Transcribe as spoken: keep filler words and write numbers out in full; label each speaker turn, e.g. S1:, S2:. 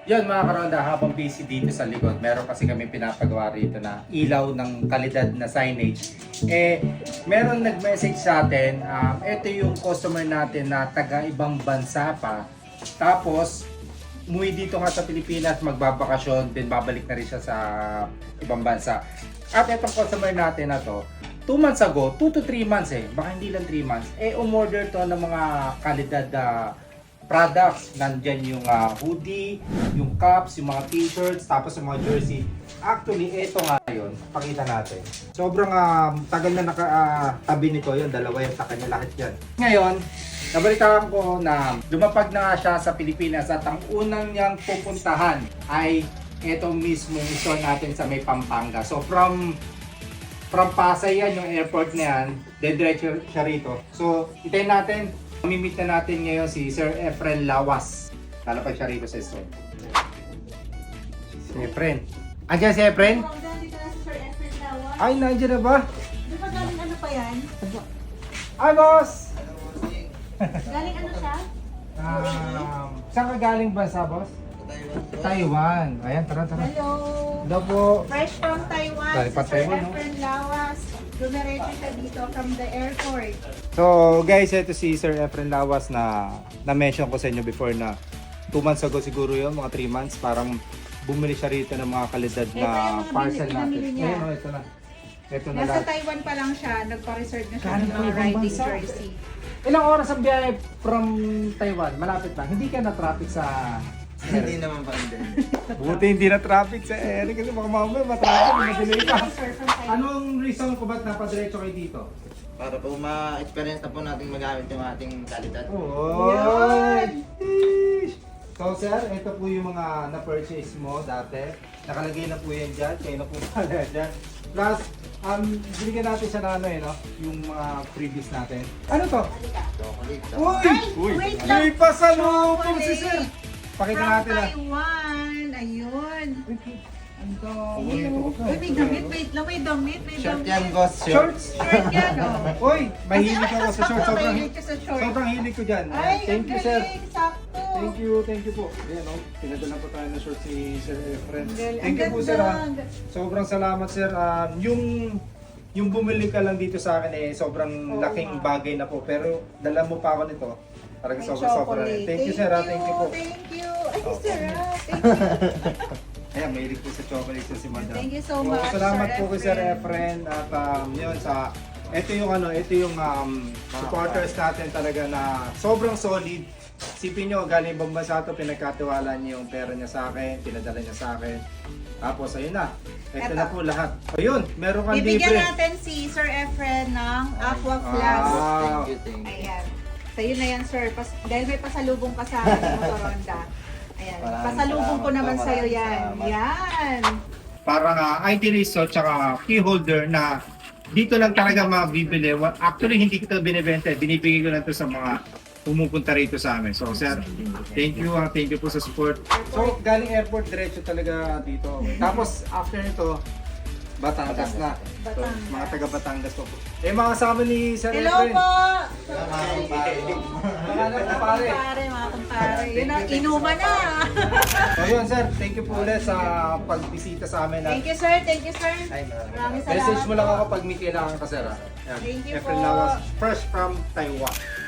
S1: Yun mga karonda, habang busy dito sa likod, meron kasi kami pinapagawa rito na ilaw ng kalidad na signage. Eh, meron nag-message sa atin, um, ito yung customer natin na taga ibang bansa pa. Tapos, umuwi dito nga sa Pilipinas, magbabakasyon, then babalik na rin siya sa ibang bansa. At itong customer natin na to, two months ago, two to three months eh, baka hindi lang three months, eh umorder to ng mga kalidad na products. Nandyan yung uh, hoodie, yung caps, yung mga t-shirts, tapos yung mga jersey. Actually, ito nga yun. Pakita natin. Sobrang uh, tagal na nakatabi uh, nito yun. Dalawa yung sa kanya lahat yan. Ngayon, nabalitaan ko na lumapag na nga siya sa Pilipinas at ang unang niyang pupuntahan ay ito mismo store natin sa may Pampanga. So from from Pasay yan, yung airport na yan, dediretso siya rito. So, itayin natin. Mamimit na natin ngayon si Sir Efren Lawas. Lalapag siya rito sa store. Si Efren. Andiyan si Efren?
S2: Dito na si Sir Efren Lawas.
S1: Ay, nandiyan na ba?
S2: Di ba galing ano pa yan?
S1: Ay, boss!
S2: Galing ano siya?
S1: Um, saan ka galing bansa, boss? Taiwan. Ayan, tara, tara.
S2: Hello!
S1: Hello po.
S2: Fresh from Taiwan,
S1: Galing
S2: si
S1: pa
S2: Sir
S1: Taiwan, no?
S2: Efren Lawas. Dumiretso siya dito from the airport.
S1: So guys, ito si Sir Efren Lawas na na-mention ko sa inyo before na two months ago siguro yun, mga three months, parang bumili siya rito ng mga kalidad
S2: Ito
S1: na
S2: yung mga
S1: parcel
S2: binili-
S1: natin.
S2: pinamili niya.
S1: Ayun, oh, ito na. Ito na
S2: Nasa
S1: lahat.
S2: Taiwan pa lang siya, nagpa-reserve na siya
S1: Galing
S2: ng
S1: pa
S2: mga
S1: ibang
S2: riding
S1: bansa.
S2: jersey.
S1: Ilang oras ang biyahe from Taiwan? Malapit lang. Hindi ka na traffic sa...
S3: Hindi naman pa din.
S1: Buti hindi na traffic sa Eric kasi baka mamaya matraffic, madelay ka.
S2: Sir, from Taiwan.
S1: Anong reason ko ba't napadiretso kayo dito?
S3: Para po ma-experience na po natin magamit yung ating kalidad.
S1: Oh,
S2: Yan!
S1: so sir, ito po yung mga na-purchase mo dati. Nakalagay na po yan dyan, kayo na po pala dyan. Plus, um, binigyan natin siya na ano eh, no? Yung mga freebies natin. Ano to?
S3: Chocolate.
S1: Uy!
S2: Ay, wait lang.
S1: May pasalubong si sir! Pakita
S2: From
S1: natin ah.
S2: Taiwan! Ayun! Ang dami.
S1: Oh,
S2: Uy, may damit. Wait lang, may damit. May
S3: Shirt
S2: damit.
S3: yan, boss. Shirt.
S1: Shorts!
S2: Shirt yan, oh.
S1: Uy! Mahilig ako sa shorts. Sobrang,
S2: Mahilig ka sa short.
S1: sobrang hilig ko dyan.
S2: Ay,
S1: Thank you
S2: ang
S1: sir.
S2: galing, sakto.
S1: Thank you, thank you po. Ayan o, pinadala po tayo ng short si Sir Efren.
S2: Ang galing.
S1: Thank you
S2: Ang
S1: po sir ha.
S2: ganda.
S1: Sobrang salamat sir. Um, yung yung bumili ka lang dito sa akin eh, sobrang
S2: Oo,
S1: laking
S2: ma'am.
S1: bagay na po. Pero dala mo pa ako nito. Talagang
S2: May
S1: sobrang sobrang.
S2: chocolate.
S1: Thank you sir ha, thank you po.
S2: Thank you. Ay, sir ha. Thank you.
S1: Ayan, mahilig po sa chocolate sa si Madam.
S2: Thank you so much,
S1: Salamat
S2: Sir
S1: po kay Sir
S2: Efren.
S1: Efren. At um, yun sa, ito yung ano, ito yung um, supporters natin talaga na sobrang solid. Sipin nyo, galing ibang bansa ito, pinagkatiwala niya yung pera niya sa akin, pinadala niya sa akin. Tapos ayun na, ito
S2: Eto.
S1: na po lahat. Ayun, meron kang
S2: Bibigyan
S1: libre.
S2: natin si Sir Efren ng Aqua
S1: Wow.
S2: Flask.
S3: Thank you, thank you.
S2: Ayan. Sa'yo na yan, sir. Pas dahil may pasalubong ka sa amin, Motoronda. Ayan.
S3: Maraming
S2: Pasalubong ko
S3: salamat
S2: naman
S3: po,
S2: sa'yo
S3: maraming
S2: yan.
S3: salamat.
S2: Yan.
S1: Parang uh, I D resort tsaka key holder na dito lang talaga mabibili. Wa- Actually, hindi ko ito binibenta. Binibigay ko lang ito sa mga pumupunta rito sa amin. So, sir, thank you. ah, thank you po sa support. So, galing airport, diretso talaga dito. Tapos, after nito, Batangas na. So,
S2: Batangas.
S1: mga taga Batangas po. Eh, mga kasama ni Sir
S2: Hello
S1: Efren.
S2: po!
S3: Salamat po, pare.
S1: Mga anak ko, pare.
S2: Pare, mga kumpare. Yun na, inuman na.
S1: So, yun, sir. Thank you po ulit sa pagbisita sa amin.
S2: Thank you, sir. Thank you, sir.
S1: Ay, maraming
S2: Maraming salamat
S1: Message mo lang
S2: po.
S1: ako pag may kailangan ka, sir. ah. Yan.
S2: Thank you
S1: Efren
S2: po.
S1: Lawas, fresh from Taiwan.